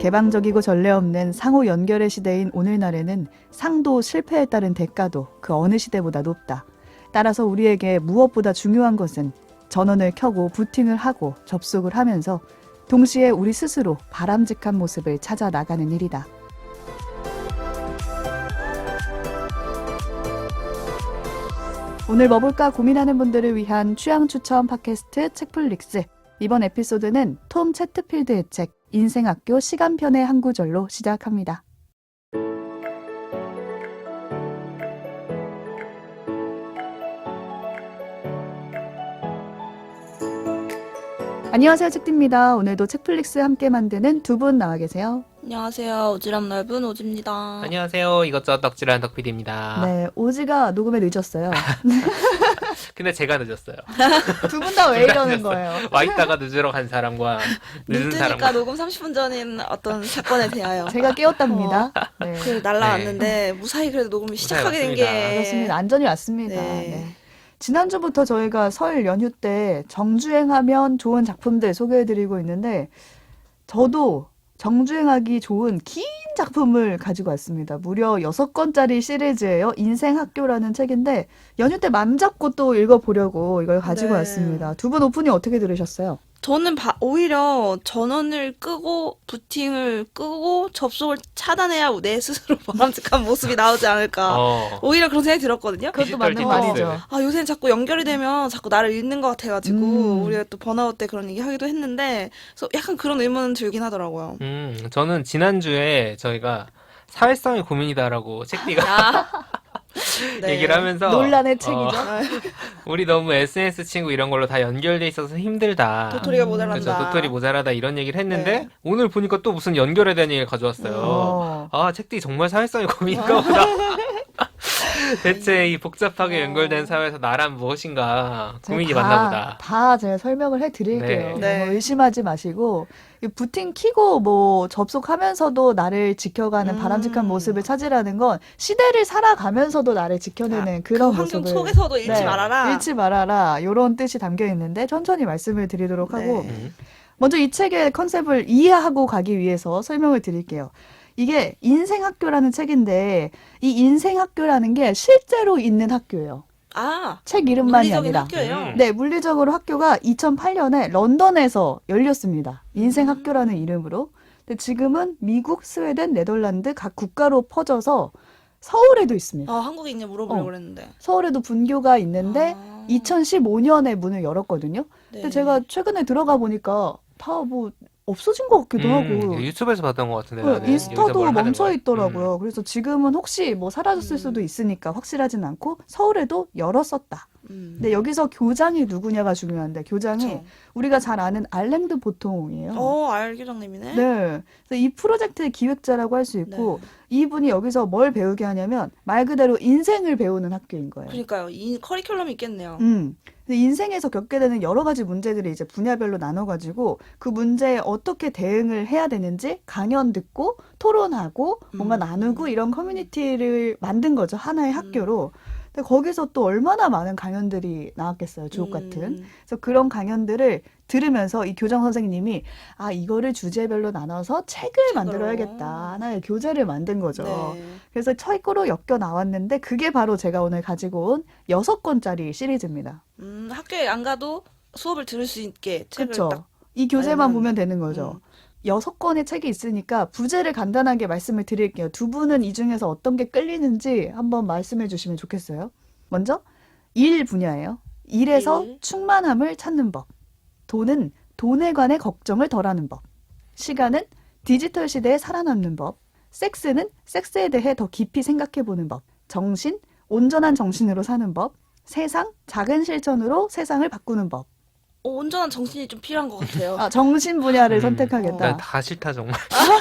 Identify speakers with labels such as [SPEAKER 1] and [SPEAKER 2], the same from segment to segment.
[SPEAKER 1] 개방적이고 전례 없는 상호 연결의 시대인 오늘날에는 상도 실패에 따른 대가도 그 어느 시대보다 높다. 따라서 우리에게 무엇보다 중요한 것은 전원을 켜고 부팅을 하고 접속을 하면서 동시에 우리 스스로 바람직한 모습을 찾아 나가는 일이다. 오늘 뭐 볼까 고민하는 분들을 위한 취향 추천 팟캐스트 책플릭스. 이번 에피소드는 톰 채트필드의 책 인생학교 시간편의 한 구절로 시작합니다. 안녕하세요, 책디입니다. 오늘도 책플릭스 함께 만드는 두 분 나와 계세요.
[SPEAKER 2] 안녕하세요. 오지랖 넓은 오지입니다.
[SPEAKER 3] 안녕하세요. 이것저것 덕질하는 덕PD입니다.
[SPEAKER 1] 네, 오지가 녹음에 늦었어요.
[SPEAKER 3] 근데 제가 늦었어요.
[SPEAKER 1] 두 분 다 왜 이러는 거예요?
[SPEAKER 3] 와 있다가 늦으러 간 사람과 늦은
[SPEAKER 2] 늦으니까
[SPEAKER 3] 사람과
[SPEAKER 2] 녹음 30분 전인 어떤 사건에 대하여
[SPEAKER 1] 제가 깨웠답니다. 네.
[SPEAKER 2] 그 날라왔는데 무사히 그래도 녹음을 시작하게 된
[SPEAKER 3] 왔습니다.
[SPEAKER 2] 게
[SPEAKER 1] 그렇습니다. 안전히 왔습니다.
[SPEAKER 2] 네.
[SPEAKER 1] 네. 지난주부터 저희가 설 연휴 때 정주행하면 좋은 작품들 소개해드리고 있는데 저도 정주행하기 좋은 긴 작품을 가지고 왔습니다. 무려 6권짜리 시리즈예요. 인생학교라는 책인데 연휴 때 맘 잡고 또 읽어보려고 이걸 가지고
[SPEAKER 2] 네.
[SPEAKER 1] 왔습니다. 두 분 오프닝 어떻게 들으셨어요?
[SPEAKER 2] 저는 오히려 전원을 끄고 부팅을 끄고 접속을 차단해야 내 스스로 바람직한 모습이 나오지 않을까. 오히려 그런 생각이 들었거든요.
[SPEAKER 1] 그것도
[SPEAKER 3] 디지털
[SPEAKER 1] 맞는
[SPEAKER 3] 디톡스.
[SPEAKER 1] 말이죠.
[SPEAKER 2] 아, 요새는 자꾸 연결이 되면 자꾸 나를 잃는 것 같아가지고 우리가 또 번아웃 때 그런 얘기 하기도 했는데 그래서 약간 그런 의문은 들긴 하더라고요.
[SPEAKER 3] 저는 지난주에 저희가 사회성이 고민이다라고 책디가
[SPEAKER 2] 네.
[SPEAKER 3] 얘기를 하면서
[SPEAKER 1] 논란의 책이죠.
[SPEAKER 3] 우리 너무 SNS 친구 이런 걸로 다 연결돼 있어서 힘들다.
[SPEAKER 2] 도토리가 모자란다.
[SPEAKER 3] 그렇죠. 도토리 모자라다 이런 얘기를 했는데
[SPEAKER 2] 네.
[SPEAKER 3] 오늘 보니까 또 무슨 연결에 대한 얘기를 가져왔어요.
[SPEAKER 1] 어.
[SPEAKER 3] 아, 책디 정말 사회성이 고민인가 보다. 대체 이 복잡하게 연결된 사회에서 나란 무엇인가 고민이
[SPEAKER 1] 제가
[SPEAKER 3] 많나 보다.
[SPEAKER 1] 다 제가 설명을 해드릴게요.
[SPEAKER 2] 네.
[SPEAKER 1] 뭐 의심하지 마시고 이 부팅 키고 뭐 접속하면서도 나를 지켜가는 바람직한 모습을 찾으라는 건 시대를 살아가면서도 나를 지켜내는 그런
[SPEAKER 2] 그 환경
[SPEAKER 1] 모습을
[SPEAKER 2] 속에서도 잃지
[SPEAKER 1] 네,
[SPEAKER 2] 말아라.
[SPEAKER 1] 잃지 말아라 이런 뜻이 담겨 있는데 천천히 말씀을 드리도록 하고
[SPEAKER 2] 네.
[SPEAKER 1] 먼저 이 책의 컨셉을 이해하고 가기 위해서 설명을 드릴게요. 이게 인생학교라는 책인데 이 인생학교라는 게 실제로 있는 학교예요.
[SPEAKER 2] 아,
[SPEAKER 1] 책 이름만이
[SPEAKER 2] 물리적인
[SPEAKER 1] 아니라.
[SPEAKER 2] 학교예요.
[SPEAKER 1] 네, 물리적으로 학교가 2008년에 런던에서 열렸습니다. 인생학교라는 이름으로. 근데 지금은 미국, 스웨덴, 네덜란드 각 국가로 퍼져서 서울에도 있습니다.
[SPEAKER 2] 아, 한국에 있냐 물어보려고
[SPEAKER 1] 어.
[SPEAKER 2] 그랬는데.
[SPEAKER 1] 서울에도 분교가 있는데
[SPEAKER 2] 아.
[SPEAKER 1] 2015년에 문을 열었거든요.
[SPEAKER 2] 네.
[SPEAKER 1] 근데 제가 최근에 들어가 보니까 다 뭐 없어진 것 같기도 하고.
[SPEAKER 3] 유튜브에서 봤던 것 같은데
[SPEAKER 1] 네,
[SPEAKER 3] 나는. 여기서
[SPEAKER 1] 인스타도
[SPEAKER 3] 뭘 하는
[SPEAKER 1] 멈춰
[SPEAKER 3] 거야?
[SPEAKER 1] 있더라고요. 그래서 지금은 혹시 뭐 사라졌을 수도 있으니까 확실하진 않고 서울에도 열었었다. 근데 여기서 교장이 누구냐가 중요한데 교장이
[SPEAKER 2] 그쵸.
[SPEAKER 1] 우리가 잘 아는 알랭드 보통이에요.
[SPEAKER 2] 알기장님이네.
[SPEAKER 1] 네. 그래서 이 프로젝트의 기획자라고 할 수 있고
[SPEAKER 2] 네.
[SPEAKER 1] 이분이 여기서 뭘 배우게 하냐면 말 그대로 인생을 배우는 학교인 거예요.
[SPEAKER 2] 그러니까요. 이 커리큘럼이 있겠네요.
[SPEAKER 1] 근데 인생에서 겪게 되는 여러 가지 문제들이 이제 분야별로 나눠가지고 그 문제에 어떻게 대응을 해야 되는지 강연 듣고 토론하고 뭔가 나누고 이런 커뮤니티를 만든 거죠. 하나의 학교로. 근데 거기서 또 얼마나 많은 강연들이 나왔겠어요. 주옥 같은. 그래서 그런 강연들을 들으면서 이 교장 선생님이 아, 이거를 주제별로 나눠서 책을 만들어야겠다. 하나의 교재를 만든 거죠.
[SPEAKER 2] 네.
[SPEAKER 1] 그래서 책으로 엮여 나왔는데 그게 바로 제가 오늘 가지고 온 6권짜리 시리즈입니다.
[SPEAKER 2] 학교에 안 가도 수업을 들을 수 있게 책을
[SPEAKER 1] 그렇죠.
[SPEAKER 2] 딱.
[SPEAKER 1] 이 교재만
[SPEAKER 2] 마련한-
[SPEAKER 1] 보면 되는 거죠. 6권의 책이 있으니까 부제를 간단하게 말씀을 드릴게요. 두 분은 이 중에서 어떤 게 끌리는지 한번 말씀해 주시면 좋겠어요. 먼저 일 분야예요. 일에서
[SPEAKER 2] 일.
[SPEAKER 1] 충만함을 찾는 법. 돈은 돈에 관해 걱정을 덜하는 법. 시간은 디지털 시대에 살아남는 법. 섹스는 섹스에 대해 더 깊이 생각해 보는 법. 정신, 온전한 정신으로 사는 법. 세상, 작은 실천으로 세상을 바꾸는 법.
[SPEAKER 2] 온전한 정신이 좀 필요한 것 같아요.
[SPEAKER 1] 아, 정신 분야를
[SPEAKER 3] 음.
[SPEAKER 1] 선택하겠다.
[SPEAKER 3] 난 다 싫다 정말.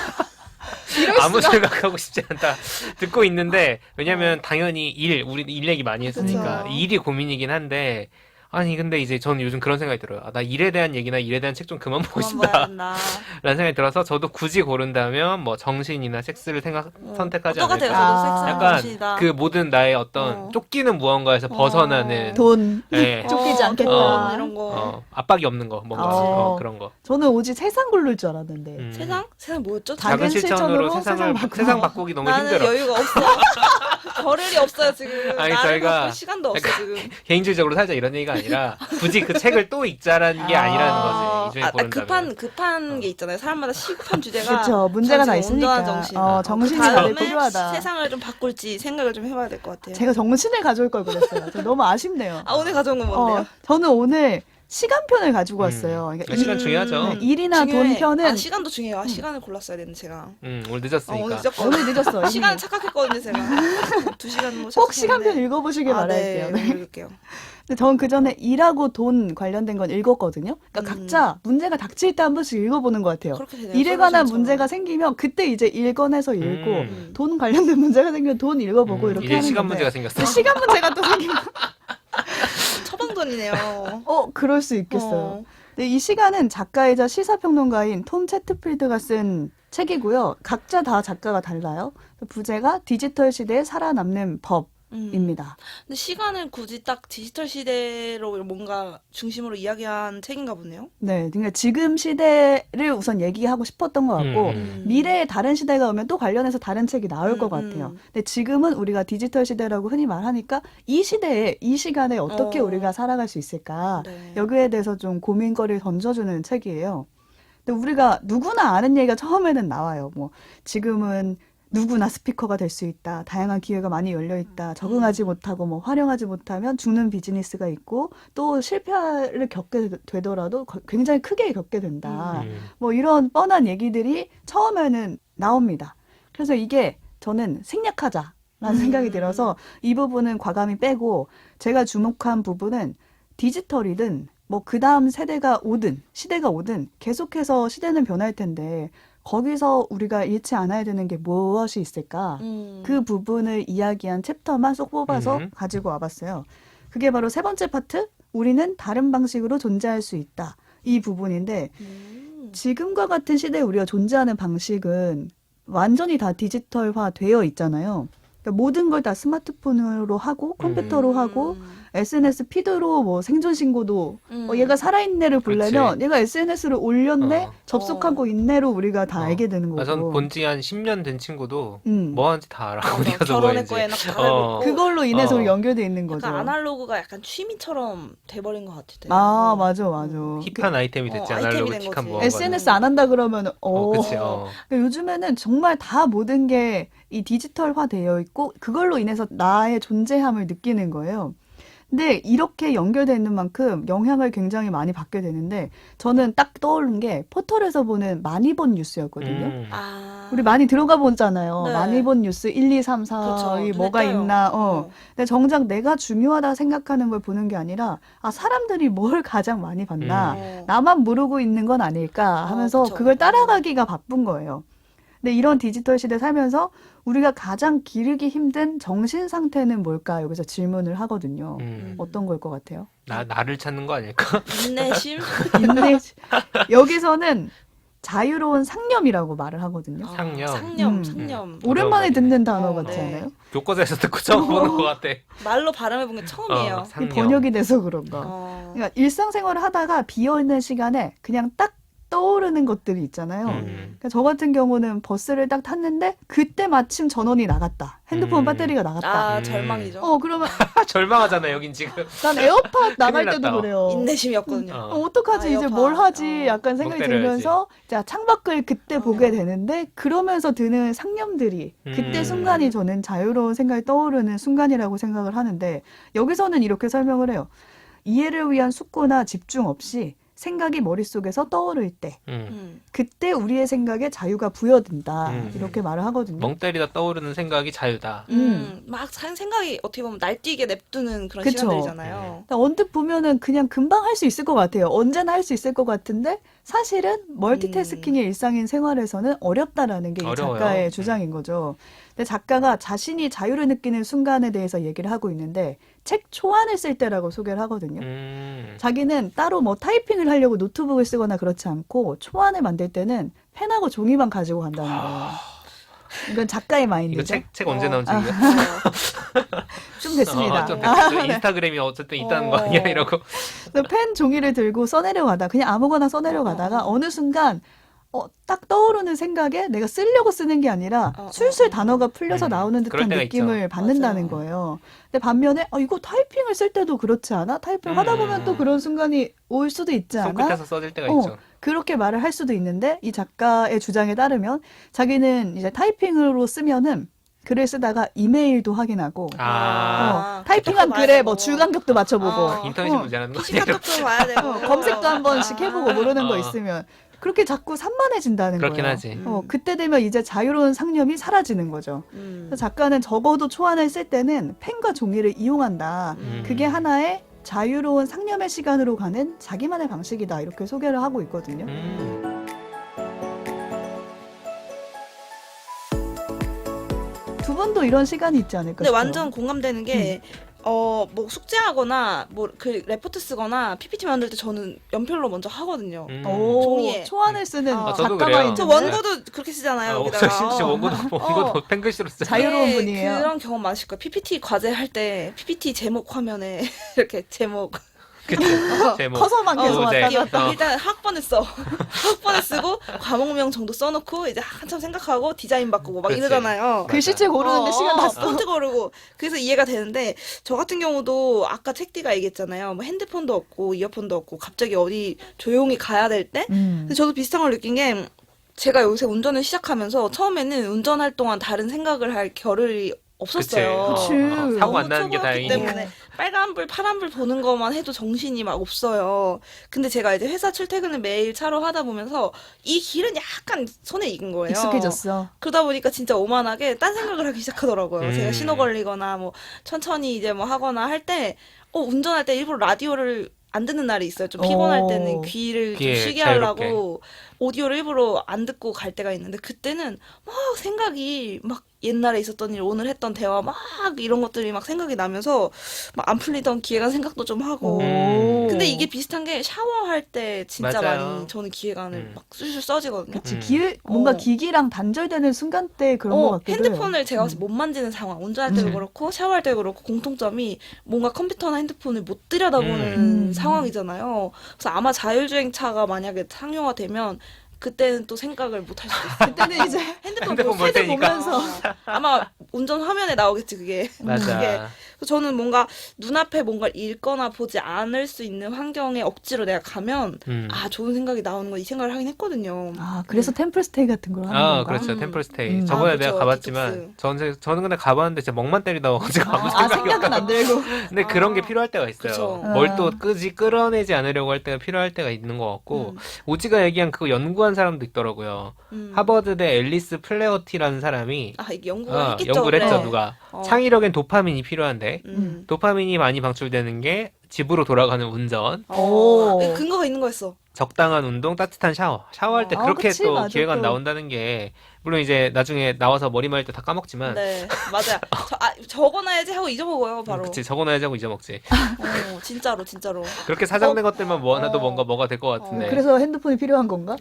[SPEAKER 3] 아무 생각하고 싶지 않다. 듣고 있는데 왜냐면 당연히 우리 일 얘기 많이 했으니까
[SPEAKER 2] 그쵸.
[SPEAKER 3] 일이 고민이긴 한데 아니 근데 이제 저는 요즘 그런 생각이 들어요. 아, 나 일에 대한 얘기나 일에 대한 책 좀 그만 보고
[SPEAKER 2] 그만 봐야
[SPEAKER 3] 싶다
[SPEAKER 2] 된다.
[SPEAKER 3] 라는 생각이 들어서 저도 굳이 고른다면 뭐 정신이나 섹스를 선택하지
[SPEAKER 2] 똑같아요.
[SPEAKER 3] 않을까.
[SPEAKER 2] 저도 섹스랑
[SPEAKER 3] 약간
[SPEAKER 2] 정신이다.
[SPEAKER 3] 그 모든 나의 어떤 쫓기는 무언가에서 벗어나는
[SPEAKER 1] 돈
[SPEAKER 3] 예.
[SPEAKER 1] 쫓기지 않겠다.
[SPEAKER 2] 돈 이런 거.
[SPEAKER 3] 압박이 없는 거 뭔가 그런 거.
[SPEAKER 1] 저는 오직 세상 굴릴 줄 알았는데
[SPEAKER 2] 세상? 세상 뭐였죠?
[SPEAKER 3] 작은 실천으로 세상 바꾸기 너무
[SPEAKER 2] 나는
[SPEAKER 3] 힘들어.
[SPEAKER 2] 여유가 없어. 겨를이 없어요 지금.
[SPEAKER 3] 아니,
[SPEAKER 2] 나를
[SPEAKER 3] 저희가
[SPEAKER 2] 바꿀 시간도 없어 지금.
[SPEAKER 3] 개인주의적으로 살자 이런 얘기가 아니라 굳이 그 책을 또 읽자라는 게 아니라는 거지. 이 중에 고른다면.
[SPEAKER 2] 급한 게 있잖아요. 사람마다 시급한 주제가.
[SPEAKER 1] 그렇죠. 문제가 다
[SPEAKER 2] 전 지금 온전한
[SPEAKER 1] 있으니까.
[SPEAKER 2] 정신.
[SPEAKER 1] 정신이
[SPEAKER 2] 그
[SPEAKER 1] 다들
[SPEAKER 2] 다음에
[SPEAKER 1] 필요하다.
[SPEAKER 2] 세상을 좀 바꿀지 생각을 좀 해봐야 될 것 같아요.
[SPEAKER 1] 제가 정신을 가져올 걸 그랬어요. 저 너무 아쉽네요.
[SPEAKER 2] 오늘 가져온 건 뭔데요?
[SPEAKER 1] 저는 오늘 시간편을 가지고 왔어요. 그러니까
[SPEAKER 3] 시간 중요하죠.
[SPEAKER 1] 네, 일이나 돈 편은
[SPEAKER 2] 시간도 중요해요. 시간을 골랐어야 되는데 제가.
[SPEAKER 3] 오늘 늦었으니까.
[SPEAKER 2] 오늘 늦었거든요.
[SPEAKER 1] 오늘 늦었어요. 이미.
[SPEAKER 2] 시간 착각했거든요 제가. 2시간 뭐
[SPEAKER 1] 꼭 시간편 읽어보시길
[SPEAKER 2] 네,
[SPEAKER 1] 바랄게요. 네.
[SPEAKER 2] 읽을게요.
[SPEAKER 1] 근데 전 그 전에 일하고 돈 관련된 건 읽었거든요. 그러니까 각자 문제가 닥칠 때 한 번씩 읽어보는 것 같아요.
[SPEAKER 2] 그렇게 되네요.
[SPEAKER 1] 일에 관한
[SPEAKER 2] 솔루션처럼.
[SPEAKER 1] 문제가 생기면 그때 이제 일 꺼내서 읽고
[SPEAKER 3] 음.
[SPEAKER 1] 돈 관련된 문제가 생기면 돈 읽어보고 이렇게
[SPEAKER 3] 이제
[SPEAKER 1] 하는
[SPEAKER 3] 시간
[SPEAKER 1] 건데
[SPEAKER 3] 문제가 생겼어.
[SPEAKER 1] 근데 시간 문제가 또 생기면
[SPEAKER 2] 처방전이네요.
[SPEAKER 1] 그럴 수 있겠어요.
[SPEAKER 2] 어.
[SPEAKER 1] 근데 이 시간은 작가이자 시사평론가인 톰 채트필드가 쓴 책이고요. 각자 다 작가가 달라요. 부제가 디지털 시대에 살아남는 법입니다.
[SPEAKER 2] 근데 시간을 굳이 딱 디지털 시대로 뭔가 중심으로 이야기한 책인가 보네요.
[SPEAKER 1] 네, 그러니까 지금 시대를 우선 얘기하고 싶었던 것 같고 미래에 다른 시대가 오면 또 관련해서 다른 책이 나올 것 같아요. 근데 지금은 우리가 디지털 시대라고 흔히 말하니까 이 시대에 이 시간에 어떻게 우리가 살아갈 수 있을까
[SPEAKER 2] 네.
[SPEAKER 1] 여기에 대해서 좀 고민거리를 던져주는 책이에요. 근데 우리가 누구나 아는 얘기가 처음에는 나와요. 뭐 지금은 누구나 스피커가 될 수 있다. 다양한 기회가 많이 열려 있다. 적응하지 못하고 뭐 활용하지 못하면 죽는 비즈니스가 있고 또 실패를 겪게 되더라도 굉장히 크게 겪게 된다. 뭐 이런 뻔한 얘기들이 처음에는 나옵니다. 그래서 이게 저는 생략하자라는 생각이 들어서 이 부분은 과감히 빼고 제가 주목한 부분은 디지털이든 뭐 그 다음 세대가 오든 시대가 오든 계속해서 시대는 변할 텐데 거기서 우리가 잃지 않아야 되는 게 무엇이 있을까? 그 부분을 이야기한 챕터만 쏙 뽑아서 가지고 와봤어요. 그게 바로 세 번째 파트, 우리는 다른 방식으로 존재할 수 있다. 이 부분인데 지금과 같은 시대에 우리가 존재하는 방식은 완전히 다 디지털화 되어 있잖아요. 그러니까 모든 걸 다 스마트폰으로 하고 컴퓨터로 하고 SNS 피드로 뭐 생존 신고도 얘가 살아있는 애를 보려면
[SPEAKER 3] 그치.
[SPEAKER 1] 얘가 SNS를 올렸네 접속하고 있네로 우리가 다 알게 되는 거고.
[SPEAKER 3] 전 본지 한 10년 된 친구도
[SPEAKER 1] 음.
[SPEAKER 3] 뭐 하는지 다 알아. 어디 가서 뭐
[SPEAKER 2] 결혼했고
[SPEAKER 3] 했는지.
[SPEAKER 2] 애낙 다 알고 있고.
[SPEAKER 1] 그걸로 인해서 우리 연결돼 있는 거죠.
[SPEAKER 2] 약간 아날로그가 약간 취미처럼 돼버린 것 같아요.
[SPEAKER 1] 아 맞아 맞아.
[SPEAKER 3] 힙한 아이템이 됐지.
[SPEAKER 2] 아이템이 된
[SPEAKER 3] 아날로그틱한
[SPEAKER 2] 거지.
[SPEAKER 3] 무언가.
[SPEAKER 1] SNS 안 한다 그러면
[SPEAKER 3] 그치.
[SPEAKER 1] 그러니까 요즘에는 정말 다 모든 게 이 디지털화 되어 있고 그걸로 인해서 나의 존재함을 느끼는 거예요. 근데 이렇게 연결되어 있는 만큼 영향을 굉장히 많이 받게 되는데 저는 딱 떠오른 게 포털에서 보는 많이 본 뉴스였거든요. 우리 많이 들어가 보잖아요.
[SPEAKER 2] 네.
[SPEAKER 1] 많이 본 뉴스 1, 2, 3, 4,
[SPEAKER 2] 그렇죠.
[SPEAKER 1] 이
[SPEAKER 2] 눈에
[SPEAKER 1] 뭐가
[SPEAKER 2] 띄어요.
[SPEAKER 1] 있나. 근데 정작 내가 중요하다 생각하는 걸 보는 게 아니라 사람들이 뭘 가장 많이 봤나. 나만 모르고 있는 건 아닐까 하면서
[SPEAKER 2] 그쵸.
[SPEAKER 1] 그걸 따라가기가 바쁜 거예요. 근데 이런 디지털 시대 살면서 우리가 가장 기르기 힘든 정신 상태는 뭘까? 여기서 질문을 하거든요. 어떤 걸 것 같아요?
[SPEAKER 3] 나를 찾는 거 아닐까?
[SPEAKER 2] 인내심?
[SPEAKER 1] 여기서는 자유로운 상념이라고 말을 하거든요.
[SPEAKER 2] 상념.
[SPEAKER 1] 오랜만에 듣는 단어
[SPEAKER 2] 네.
[SPEAKER 1] 같지 않아요?
[SPEAKER 3] 교과서에서 듣고 처음 보는 것 같아.
[SPEAKER 2] 말로 발음해본 게 처음이에요.
[SPEAKER 1] 이 번역이 돼서 그런가. 그러니까 일상생활을 하다가 비어있는 시간에 그냥 딱 떠오르는 것들이 있잖아요. 그러니까 저 같은 경우는 버스를 딱 탔는데 그때 마침 전원이 나갔다. 핸드폰 배터리가 나갔다.
[SPEAKER 2] 절망이죠.
[SPEAKER 1] 그러면
[SPEAKER 3] 절망하잖아 여긴 지금.
[SPEAKER 1] 난 에어팟 나갈
[SPEAKER 3] 큰일
[SPEAKER 1] 때도
[SPEAKER 3] 났다.
[SPEAKER 1] 그래요.
[SPEAKER 2] 인내심이었거든요.
[SPEAKER 1] 어떡하지? 이제
[SPEAKER 2] 에어팟.
[SPEAKER 1] 뭘 하지? 약간 생각이
[SPEAKER 3] 멍 때려야지.
[SPEAKER 1] 들면서 자, 창밖을 그때 보게 되는데 그러면서 드는 상념들이 그때 순간이 저는 자유로운 생각이 떠오르는 순간이라고 생각을 하는데 여기서는 이렇게 설명을 해요. 이해를 위한 숙고나 집중 없이 생각이 머릿속에서 떠오를 때 그때 우리의 생각에 자유가 부여된다. 이렇게 말을 하거든요.
[SPEAKER 3] 멍 때리다 떠오르는 생각이 자유다.
[SPEAKER 2] 막 생각이 어떻게 보면 날뛰게 냅두는 그런
[SPEAKER 1] 그쵸.
[SPEAKER 2] 시간들이잖아요.
[SPEAKER 1] 언뜻 보면은 그냥 금방 할 수 있을 것 같아요. 언제나 할 수 있을 것 같은데 사실은 멀티태스킹이 일상인 생활에서는 어렵다라는 게 이
[SPEAKER 3] 어려워요.
[SPEAKER 1] 작가의 주장인 거죠. 근데 작가가 자신이 자유를 느끼는 순간에 대해서 얘기를 하고 있는데 책 초안을 쓸 때라고 소개를 하거든요. 자기는 따로 뭐 타이핑을 하려고 노트북을 쓰거나 그렇지 않고 초안을 만들 때는 펜하고 종이만 가지고 간다는 거예요. 이건 작가의
[SPEAKER 3] 이거
[SPEAKER 1] 마인드죠.
[SPEAKER 3] 책 언제 나온
[SPEAKER 1] 아.
[SPEAKER 3] 책이야?
[SPEAKER 1] 좀 됐습니다.
[SPEAKER 3] 좀 됐죠. 인스타그램이 어쨌든 있다는 거 아니야? 이러고.
[SPEAKER 1] 그래서 펜 종이를 들고 써내려가다 그냥 아무거나 써내려가다가 어느 순간 딱 떠오르는 생각에 내가 쓰려고 쓰는 게 아니라 술술 단어가 풀려서 나오는
[SPEAKER 3] 그럴
[SPEAKER 1] 듯한
[SPEAKER 3] 때가
[SPEAKER 1] 느낌을
[SPEAKER 3] 있죠.
[SPEAKER 1] 받는다는
[SPEAKER 2] 맞아요.
[SPEAKER 1] 거예요. 근데 반면에 이거 타이핑을 쓸 때도 그렇지 않아? 타이핑 하다 보면 또 그런 순간이 올 수도 있지 않아?
[SPEAKER 3] 손끝에서 써질 때가
[SPEAKER 1] 어.
[SPEAKER 3] 있죠.
[SPEAKER 1] 그렇게 말을 할 수도 있는데 이 작가의 주장에 따르면 자기는 이제 타이핑으로 쓰면은 글을 쓰다가 이메일도 확인하고 타이핑한
[SPEAKER 2] 그것도
[SPEAKER 1] 글에
[SPEAKER 2] 봐야
[SPEAKER 1] 뭐
[SPEAKER 2] 되고.
[SPEAKER 1] 줄간격도 맞춰보고
[SPEAKER 3] 인터넷이
[SPEAKER 1] 어.
[SPEAKER 3] 문제라는 거
[SPEAKER 2] PC
[SPEAKER 3] 아니에요?
[SPEAKER 2] 카톡도 봐야 되고.
[SPEAKER 1] 검색도 한 번씩 해보고 모르는 거
[SPEAKER 3] 어.
[SPEAKER 1] 있으면 그렇게 자꾸 산만해진다는
[SPEAKER 3] 그렇긴
[SPEAKER 1] 거예요.
[SPEAKER 3] 하지.
[SPEAKER 1] 그때 되면 이제 자유로운 상념이 사라지는 거죠. 그래서 작가는 적어도 초안을 쓸 때는 펜과 종이를 이용한다. 그게 하나의 자유로운 상념의 시간으로 가는 자기만의 방식이다. 이렇게 소개를 하고 있거든요. 두 분도 이런 시간이 있지 않을까
[SPEAKER 2] 근데
[SPEAKER 1] 싶어요.
[SPEAKER 2] 완전 공감되는 게 뭐 숙제하거나 뭐 그 레포트 쓰거나 PPT 만들 때 저는 연필로 먼저 하거든요.
[SPEAKER 1] 오,
[SPEAKER 2] 종이에.
[SPEAKER 1] 초안을 쓰는
[SPEAKER 2] 저도
[SPEAKER 3] 그래요.
[SPEAKER 1] 작가가 있는
[SPEAKER 2] 저
[SPEAKER 3] 네.
[SPEAKER 2] 원고도 그렇게 쓰잖아요. 여기다가.
[SPEAKER 3] 진짜 원고도 펜글씨로 쓰.
[SPEAKER 1] 자유로운
[SPEAKER 2] 네,
[SPEAKER 1] 분이에요.
[SPEAKER 2] 그런 경험 많으실 거예요. PPT 과제 할 때 PPT 제목 화면에 이렇게 제목
[SPEAKER 3] 그치. 제목.
[SPEAKER 1] 커서만 계속
[SPEAKER 3] 네.
[SPEAKER 1] 왔다 갔다.
[SPEAKER 2] 일단 학번에 써. 학번에 쓰고 과목명 정도 써놓고 이제 한참 생각하고 디자인 바꾸고 막
[SPEAKER 3] 그치.
[SPEAKER 2] 이러잖아요.
[SPEAKER 1] 글씨체 고르는데 시간 다 써.
[SPEAKER 2] 폰트 고르고 그래서 이해가 되는데 저 같은 경우도 아까 책디가 얘기했잖아요. 뭐 핸드폰도 없고 이어폰도 없고 갑자기 어디 조용히 가야 될 때. 근데 저도 비슷한 걸 느낀 게 제가 요새 운전을 시작하면서 처음에는 운전할 동안 다른 생각을 할 겨를이 없었어요.
[SPEAKER 1] 그치.
[SPEAKER 3] 사고 안
[SPEAKER 2] 너무
[SPEAKER 3] 나는 게
[SPEAKER 2] 초보였기
[SPEAKER 3] 다행이니.
[SPEAKER 2] 때문에 빨간불, 파란불 보는 것만 해도 정신이 막 없어요. 근데 제가 이제 회사 출퇴근을 매일 차로 하다 보면서 이 길은 약간 손에 익은 거예요.
[SPEAKER 1] 익숙해졌어.
[SPEAKER 2] 그러다 보니까 진짜 오만하게 딴 생각을 하기 시작하더라고요. 제가 신호 걸리거나 뭐 천천히 이제 뭐 하거나 할 때 운전할 때 일부러 라디오를 안 듣는 날이 있어요. 좀 피곤할 때는 귀를 좀
[SPEAKER 3] 귀에
[SPEAKER 2] 쉬게
[SPEAKER 3] 자유롭게.
[SPEAKER 2] 하려고 오디오를 일부러 안 듣고 갈 때가 있는데 그때는 막 생각이 막 옛날에 있었던 일, 오늘 했던 대화 막 이런 것들이 막 생각이 나면서 막 안 풀리던 기획안 생각도 좀 하고. 근데 이게 비슷한 게 샤워할 때 진짜
[SPEAKER 3] 맞아요.
[SPEAKER 2] 많이 저는 기획안을 막 술술 써지거든요.
[SPEAKER 1] 그치, 뭔가 기기랑 단절되는 순간 때 그런 것 같기도 해요.
[SPEAKER 2] 핸드폰을 제가 못 만지는 상황, 운전할 때도 그렇고 샤워할 때도 그렇고 공통점이 뭔가 컴퓨터나 핸드폰을 못 들여다보는 상황이잖아요. 그래서 아마 자율주행차가 만약에 상용화되면 그때는 또 생각을 못 할 수도 있어요.
[SPEAKER 1] 그때는 이제
[SPEAKER 2] 핸드폰
[SPEAKER 3] 핸드폰 볼
[SPEAKER 2] 헤드
[SPEAKER 3] 테니까.
[SPEAKER 2] 보면서 아마 운전 화면에 나오겠지 그게.
[SPEAKER 3] 맞아.
[SPEAKER 2] 그게. 그래서 저는 뭔가 눈앞에 뭔가를 읽거나 보지 않을 수 있는 환경에 억지로 내가 가면 좋은 생각이 나오는 거 이 생각을 하긴 했거든요.
[SPEAKER 1] 그래서 템플스테이 같은 걸 하는 건가?
[SPEAKER 3] 그렇죠. 템플스테이. 저번에 내가
[SPEAKER 2] 그쵸.
[SPEAKER 3] 가봤지만 저는 근데 가봤는데 진짜 멍만 때리다 와가지고 아무
[SPEAKER 1] 생각은 안 들고.
[SPEAKER 3] 근데 그런 게 필요할 때가 있어요.
[SPEAKER 2] 그쵸.
[SPEAKER 3] 뭘 또 끌어내지 않으려고 할 때가 필요할 때가 있는 것 같고 오지가 얘기한 그거 연구한 사람도 있더라고요. 하버드대 앨리스 플레어티라는 사람이
[SPEAKER 2] 이게 연구를 했겠죠.
[SPEAKER 3] 연구를 했죠.
[SPEAKER 2] 그래.
[SPEAKER 3] 누가 창의력엔 도파민이 필요한데 도파민이 많이 방출되는 게 집으로 돌아가는 운전,
[SPEAKER 2] 근거가 있는 거였어.
[SPEAKER 3] 적당한 운동, 따뜻한 샤워. 샤워할 때 그렇게
[SPEAKER 1] 그치,
[SPEAKER 3] 또
[SPEAKER 1] 맞아,
[SPEAKER 3] 기회가
[SPEAKER 1] 또.
[SPEAKER 3] 나온다는 게 물론 이제 나중에 나와서 머리 말릴 때 다 까먹지만
[SPEAKER 2] 네, 맞아요. 적어놔야지 하고 잊어먹어요, 바로.
[SPEAKER 3] 그치 적어놔야지 하고 잊어먹지.
[SPEAKER 2] 진짜로, 진짜로.
[SPEAKER 3] 그렇게 사장된 것들만 모아놔도 뭔가 뭐가 될 것 같은데.
[SPEAKER 1] 그래서 핸드폰이 필요한 건가?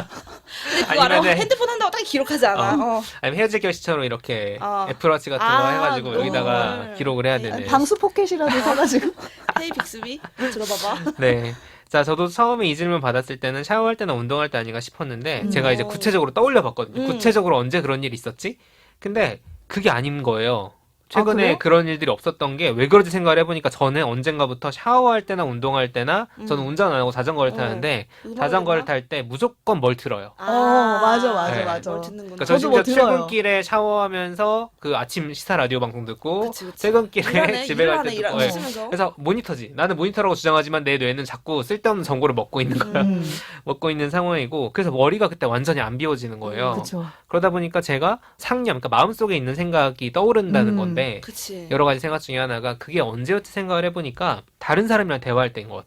[SPEAKER 2] 근데 그거 알아?
[SPEAKER 3] 아니면은-
[SPEAKER 2] 핸드폰 한다고 딱 기록하지 않아.
[SPEAKER 3] 아니면 헤어질 결시처럼 이렇게
[SPEAKER 2] 어.
[SPEAKER 3] 애플워치 같은 거 해가지고
[SPEAKER 2] 그걸.
[SPEAKER 3] 여기다가 기록을 해야 되는.
[SPEAKER 1] 방수 포켓이라도 사가지고.
[SPEAKER 2] 헤이 빅스비 들어봐봐.
[SPEAKER 3] 네. 자, 저도 처음에 이 질문 받았을 때는 샤워할 때나 운동할 때 아닌가 싶었는데 제가 이제 구체적으로 떠올려 봤거든요. 구체적으로 언제 그런 일이 있었지? 근데 그게 아닌 거예요. 최근에
[SPEAKER 1] 그래요?
[SPEAKER 3] 그런 일들이 없었던 게 왜 그런지 생각을 해보니까 저는 언젠가부터 샤워할 때나 운동할 때나 저는 운전 안 하고 자전거를 타는데 자전거를 탈 때 무조건 뭘 틀어요.
[SPEAKER 1] 맞아.
[SPEAKER 3] 네.
[SPEAKER 1] 맞아.
[SPEAKER 2] 뭘 듣는구나.
[SPEAKER 3] 그러니까 저
[SPEAKER 1] 저도 뭐
[SPEAKER 3] 심지어
[SPEAKER 1] 들어요.
[SPEAKER 3] 출근길에 샤워하면서 그 아침 시사 라디오 방송 듣고
[SPEAKER 2] 그치, 그치.
[SPEAKER 3] 퇴근길에
[SPEAKER 2] 일하네,
[SPEAKER 3] 집에 갈 때
[SPEAKER 2] 일하네,
[SPEAKER 3] 듣고 예.
[SPEAKER 2] 쓰면서.
[SPEAKER 3] 그래서 모니터지. 나는 모니터라고 주장하지만 내 뇌는 자꾸 쓸데없는 정보를 먹고 있는 거야. 먹고 있는 상황이고 그래서 머리가 그때 완전히 안 비워지는 거예요.
[SPEAKER 1] 그쵸.
[SPEAKER 3] 그러다 보니까 제가 상념, 그러니까 마음속에 있는 생각이 떠오른다는 건데
[SPEAKER 2] 그치.
[SPEAKER 3] 여러 가지 생각 중에 하나가 그게 언제였지 생각을 해보니까 다른 사람이랑 대화할 때인 것 같아요.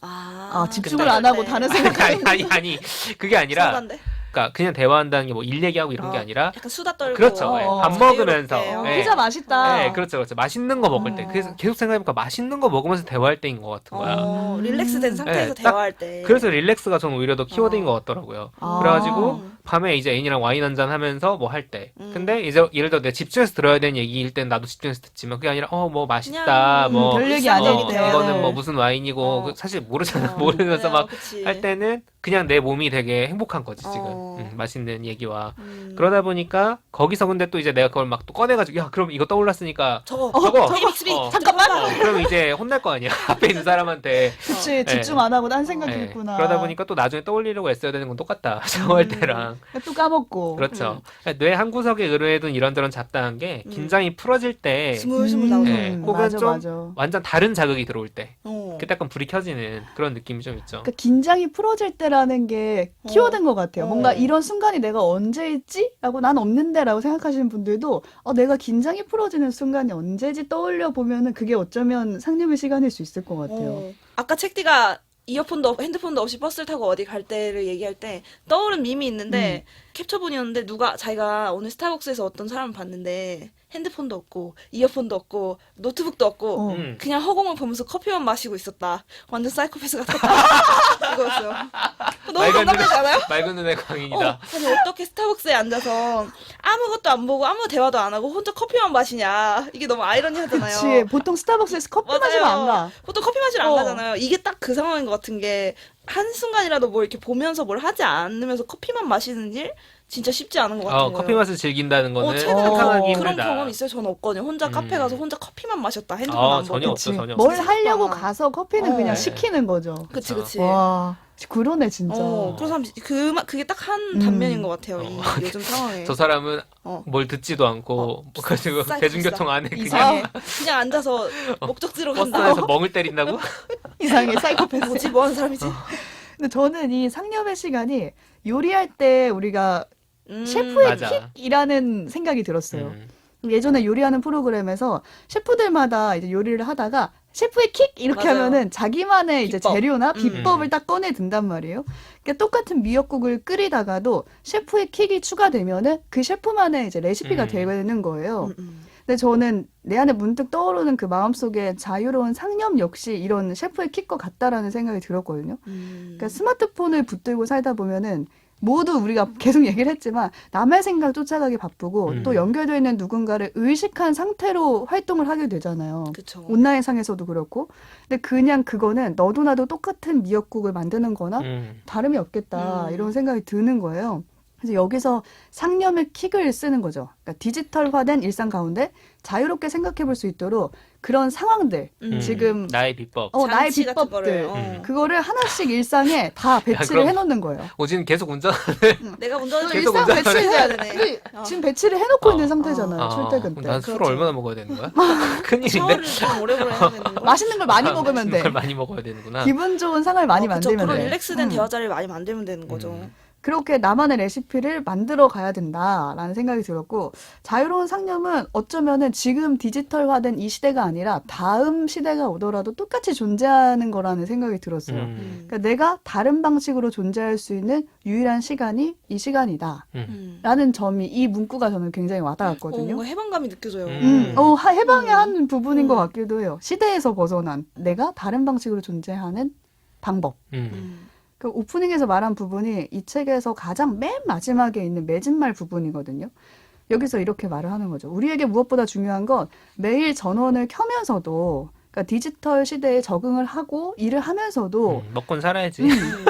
[SPEAKER 1] 아, 집중을
[SPEAKER 3] 근데-
[SPEAKER 1] 안 하고 다른 생각.
[SPEAKER 3] 아니 그게 아니라
[SPEAKER 2] 수다인데?
[SPEAKER 3] 그러니까 그냥 대화한다는 게 뭐 일 얘기하고 이런 게 아니라
[SPEAKER 2] 약간 수다 떨고.
[SPEAKER 3] 그렇죠. 예. 밥
[SPEAKER 2] 자유롭게.
[SPEAKER 3] 먹으면서. 예.
[SPEAKER 1] 피자 맛있다.
[SPEAKER 3] 네, 그렇죠. 맛있는 거 먹을 때. 그래서 계속 생각해보니까 맛있는 거 먹으면서 대화할 때인 것 같은 거야.
[SPEAKER 2] 릴렉스된 상태에서
[SPEAKER 3] 네, 딱
[SPEAKER 2] 대화할 때.
[SPEAKER 3] 그래서 릴렉스가 저는 오히려 더 키워드인 것 같더라고요.
[SPEAKER 1] 아.
[SPEAKER 3] 그래가지고 밤에 이제 애인이랑 와인 한잔 하면서 뭐 할 때. 근데 이제 예를 들어 내가 집중해서 들어야 되는 얘기일 땐 나도 집중해서 듣지만 그게 아니라 뭐 맛있다.
[SPEAKER 2] 그냥,
[SPEAKER 3] 뭐
[SPEAKER 1] 별 얘기
[SPEAKER 2] 일상
[SPEAKER 1] 아니기
[SPEAKER 2] 얘기
[SPEAKER 1] 때문에.
[SPEAKER 3] 이거는 뭐 무슨 와인이고 그 사실 모르잖아. 모르면서 막 할 때는 그냥 내 몸이 되게 행복한 거지 지금. 맛있는 얘기와 그러다 보니까 거기서 근데 또 이제 내가 그걸 막 또 꺼내가지고 야 그럼 이거 떠올랐으니까
[SPEAKER 2] 저거
[SPEAKER 3] 저거
[SPEAKER 1] 잠깐만.
[SPEAKER 3] 그럼 이제 혼날 거 아니야 앞에 있는 사람한테.
[SPEAKER 1] 그치, 집중 안 하고 딴 생각이
[SPEAKER 3] 예.
[SPEAKER 1] 있구나.
[SPEAKER 3] 그러다 보니까 또 나중에 떠올리려고 애써야 되는 건 똑같다. 샤워할 때랑.
[SPEAKER 1] 또 까먹고.
[SPEAKER 3] 그렇죠. 뇌 한 구석에 의뢰해둔 이런저런 잡다한 게 긴장이 풀어질 때
[SPEAKER 2] 스물스물 나오죠.
[SPEAKER 3] 예, 혹은
[SPEAKER 1] 맞아,
[SPEAKER 3] 좀
[SPEAKER 1] 맞아.
[SPEAKER 3] 완전 다른 자극이 들어올 때 그때
[SPEAKER 2] 어.
[SPEAKER 3] 약간 불이 켜지는 그런 느낌이 좀 있죠.
[SPEAKER 1] 그러니까 긴장이 풀어질 때라는 게 키워드인 것 같아요. 뭔가 이런 순간이 내가 언제 있지? 라고 난 없는데 라고 생각하시는 분들도 내가 긴장이 풀어지는 순간이 언제지 떠올려 보면은 그게 어쩌면 상념의 시간일 수 있을 것 같아요.
[SPEAKER 2] 아까 책디가 핸드폰도 없이 버스를 타고 어디 갈 때를 얘기할 때 떠오른 밈이 있는데 캡처본이었는데 자기가 오늘 스타벅스에서 어떤 사람을 봤는데 핸드폰도 없고 이어폰도 없고 노트북도 없고 그냥 허공을 보면서 커피만 마시고 있었다. 완전 사이코패스 같았다. 이거였어요. 너무 공감되지 않아요?
[SPEAKER 3] 맑은 눈의 광인이다.
[SPEAKER 2] 아니 어떻게 스타벅스에 앉아서 아무것도 안 보고 아무 대화도 안 하고 혼자 커피만 마시냐. 이게 너무 아이러니하잖아요.
[SPEAKER 1] 그치. 보통 스타벅스에서 커피 마시면 안 가.
[SPEAKER 2] 보통 커피 마시러 안 가잖아요. 이게 딱 그 상황인 것 같은 게 한순간이라도 뭐 이렇게 보면서 뭘 하지 않으면서 커피만 마시는 일 진짜 쉽지 않은 것 같아요.
[SPEAKER 3] 커피 맛을 즐긴다는 거는
[SPEAKER 2] 최근에
[SPEAKER 3] 상상하기
[SPEAKER 2] 그런
[SPEAKER 3] 힘들다.
[SPEAKER 2] 경험 있어요. 저는 없거든요. 혼자 카페 가서 혼자 커피만 마셨다. 핸드폰 안 보고.
[SPEAKER 3] 전혀 없죠,
[SPEAKER 1] 그치.
[SPEAKER 3] 전혀
[SPEAKER 1] 뭘
[SPEAKER 3] 없어.
[SPEAKER 1] 하려고
[SPEAKER 2] 진짜.
[SPEAKER 1] 가서 커피는 그냥
[SPEAKER 2] 네.
[SPEAKER 1] 시키는 거죠.
[SPEAKER 2] 그치.
[SPEAKER 1] 와, 그러네 진짜.
[SPEAKER 2] 그런 사람 그게 딱 한 단면인 것 같아요. 이 요즘 상황에.
[SPEAKER 3] 저 사람은
[SPEAKER 2] 뭘
[SPEAKER 3] 듣지도 않고 가지고
[SPEAKER 2] 사이코패스다.
[SPEAKER 3] 대중교통 안에 그냥
[SPEAKER 1] 이상해.
[SPEAKER 2] 그냥 앉아서 목적지로 간다.
[SPEAKER 3] 버스에서 멍을 때린다고?
[SPEAKER 1] 이상해, 사이코패스.
[SPEAKER 2] 뭐지? 뭐 하는 사람이지?
[SPEAKER 1] 근데 저는 이 상념의 시간이 요리할 때 우리가
[SPEAKER 2] 음.
[SPEAKER 1] 셰프의
[SPEAKER 3] 맞아.
[SPEAKER 1] 킥이라는 생각이 들었어요.
[SPEAKER 3] 음.
[SPEAKER 1] 예전에 요리하는 프로그램에서 셰프들마다 이제 요리를 하다가 셰프의 킥 이렇게
[SPEAKER 2] 맞아요.
[SPEAKER 1] 하면은 자기만의 이제
[SPEAKER 2] 비법.
[SPEAKER 1] 재료나 비법을 딱 꺼내 든단 말이에요. 그러니까 똑같은 미역국을 끓이다가도 셰프의 킥이 추가되면은 그 셰프만의 이제 레시피가 되는 거예요. 근데 저는 내 안에 문득 떠오르는 그 마음속에 자유로운 상념 역시 이런 셰프의 킥과 같다라는 생각이 들었거든요. 그러니까 스마트폰을 붙들고 살다 보면은 모두 우리가 계속 얘기를 했지만 남의 생각 쫓아가기 바쁘고 또 연결되어 있는 누군가를 의식한 상태로 활동을 하게 되잖아요.
[SPEAKER 2] 그쵸.
[SPEAKER 1] 온라인상에서도 그렇고. 근데 그냥 그거는 너도 나도 똑같은 미역국을 만드는 거나 다름이 없겠다 이런 생각이 드는 거예요. 그래서 여기서 상념의 킥을 쓰는 거죠. 그러니까 디지털화된 일상 가운데 자유롭게 생각해 볼 수 있도록 그런 상황들, 지금
[SPEAKER 3] 나의 비법.
[SPEAKER 1] 나의
[SPEAKER 2] 장치 같은
[SPEAKER 1] 비법들,
[SPEAKER 2] 거를,
[SPEAKER 1] 그거를 하나씩 일상에 다 배치를
[SPEAKER 3] 그럼-
[SPEAKER 1] 해놓는 거예요.
[SPEAKER 3] 오진 계속 운전.
[SPEAKER 2] 내가 운전을
[SPEAKER 3] 계속
[SPEAKER 1] 일상
[SPEAKER 3] 운전을
[SPEAKER 2] 해야
[SPEAKER 1] 배치를
[SPEAKER 2] 되네.
[SPEAKER 1] 지금 배치를 해놓고 있는 상태잖아요. 출퇴근 때.
[SPEAKER 3] 난 술을
[SPEAKER 2] 그렇죠.
[SPEAKER 3] 얼마나 먹어야 되는 거야? 큰일인데.
[SPEAKER 2] 샤워를 좀 오래오래 해야 되는 거.
[SPEAKER 1] 맛있는 걸 많이 먹으면
[SPEAKER 3] 맛있는
[SPEAKER 1] 돼.
[SPEAKER 3] 걸 많이 먹어야 되는구나.
[SPEAKER 1] 기분 좋은 상을 많이 만들면
[SPEAKER 2] 그런
[SPEAKER 1] 돼.
[SPEAKER 2] 릴렉스된 대화 자리를 많이 만들면 되는 거죠.
[SPEAKER 1] 그렇게 나만의 레시피를 만들어 가야 된다라는 생각이 들었고, 자유로운 상념은 어쩌면은 지금 디지털화된 이 시대가 아니라 다음 시대가 오더라도 똑같이 존재하는 거라는 생각이 들었어요. 그러니까 내가 다른 방식으로 존재할 수 있는 유일한 시간이 이 시간이다. 라는 점이 이 문구가 저는 굉장히 와닿았거든요.
[SPEAKER 2] 뭔가 해방감이 느껴져요.
[SPEAKER 1] 해방의 한 부분인 것 같기도 해요. 시대에서 벗어난 내가 다른 방식으로 존재하는 방법. 그 오프닝에서 말한 부분이 이 책에서 가장 맨 마지막에 있는 맺은말 부분이거든요. 여기서 이렇게 말을 하는 거죠. 우리에게 무엇보다 중요한 건 매일 전원을 켜면서도, 그러니까 디지털 시대에 적응을 하고 일을 하면서도
[SPEAKER 3] 먹곤 살아야지.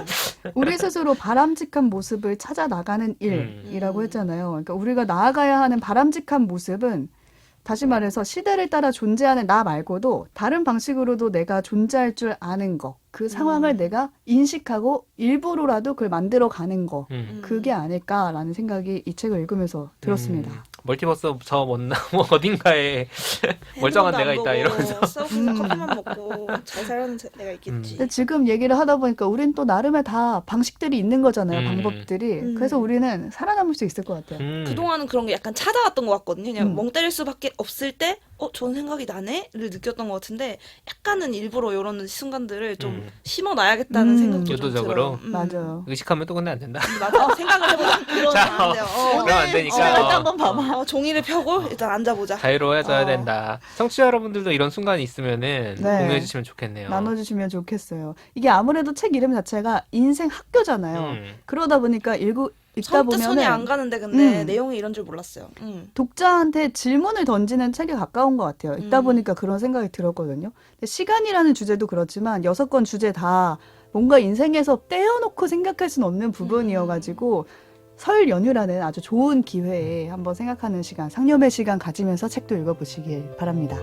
[SPEAKER 1] 우리 스스로 바람직한 모습을 찾아 나가는 일이라고 했잖아요. 그러니까 우리가 나아가야 하는 바람직한 모습은 다시 말해서 시대를 따라 존재하는 나 말고도 다른 방식으로도 내가 존재할 줄 아는 거, 그 상황을 내가 인식하고 일부러라도 그걸 만들어 가는 거, 그게 아닐까라는 생각이 이 책을 읽으면서 들었습니다.
[SPEAKER 3] 멀티버스 저 못나 뭐 어딘가에 멀쩡한
[SPEAKER 2] 핸드폰도
[SPEAKER 3] 데가
[SPEAKER 2] 안
[SPEAKER 3] 있다
[SPEAKER 2] 보고
[SPEAKER 3] 이러면서
[SPEAKER 2] 스타벅스에서 커피만 먹고 잘 살아는 내가 있겠지.
[SPEAKER 1] 근데 지금 얘기를 하다 보니까 우린 또 나름의 다 방식들이 있는 거잖아요. 방법들이.
[SPEAKER 2] 음.
[SPEAKER 1] 그래서 우리는 살아남을 수 있을 것 같아요.
[SPEAKER 2] 그동안은 그런 게 약간 찾아왔던 것 같거든요. 그냥
[SPEAKER 1] 음.
[SPEAKER 2] 멍 때릴 수밖에 없을 때, 좋은 생각이 나네?를 느꼈던 것 같은데, 약간은 일부러 이런 순간들을 좀 심어놔야겠다는 생각도 좀
[SPEAKER 3] 의도적으로?
[SPEAKER 2] 들어요.
[SPEAKER 1] 맞아요.
[SPEAKER 3] 의식하면 또 근데 안 된다.
[SPEAKER 2] 맞아. 생각을 해보자. 그러면
[SPEAKER 3] 자,
[SPEAKER 2] 안 돼요.
[SPEAKER 3] 그럼 안 되니까.
[SPEAKER 1] 일단 한번 봐봐.
[SPEAKER 2] 종이를 펴고 일단 앉아보자.
[SPEAKER 3] 자유로워져야
[SPEAKER 1] 어.
[SPEAKER 3] 된다. 청취자 여러분들도 이런 순간이 있으면은
[SPEAKER 1] 네.
[SPEAKER 3] 공유해 주시면 좋겠네요.
[SPEAKER 1] 나눠주시면 좋겠어요. 이게 아무래도 책 이름 자체가 인생 학교잖아요. 그러다 보니까 읽다
[SPEAKER 2] 처음부터 손이 안
[SPEAKER 1] 보면은
[SPEAKER 2] 가는데 근데
[SPEAKER 1] 음.
[SPEAKER 2] 내용이 이런 줄 몰랐어요.
[SPEAKER 1] 독자한테 질문을 던지는 책에 가까운 것 같아요. 읽다 보니까 그런 생각이 들었거든요. 근데 시간이라는 주제도 그렇지만 6권 주제 다 뭔가 인생에서 떼어놓고 생각할 수는 없는 부분이어가지고 설 연휴라는 아주 좋은 기회에 한번 생각하는 시간, 상념의 시간 가지면서 책도 읽어보시길 바랍니다.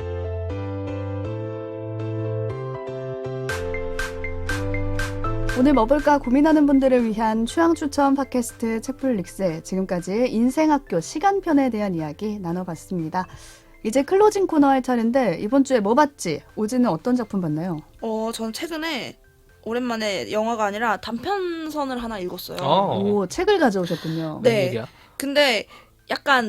[SPEAKER 1] 오늘 뭐 볼까 고민하는 분들을 위한 취향 추천 팟캐스트 책플릭스, 지금까지 인생학교 시간편에 대한 이야기 나눠봤습니다. 이제 클로징 코너 할 차례인데 이번 주에 뭐 봤지? 오지는 어떤 작품 봤나요?
[SPEAKER 2] 저는 최근에 오랜만에 영화가 아니라 단편선을 하나 읽었어요.
[SPEAKER 1] 오, 책을 가져오셨군요.
[SPEAKER 2] 네.
[SPEAKER 3] 무슨 얘기야?
[SPEAKER 2] 근데 약간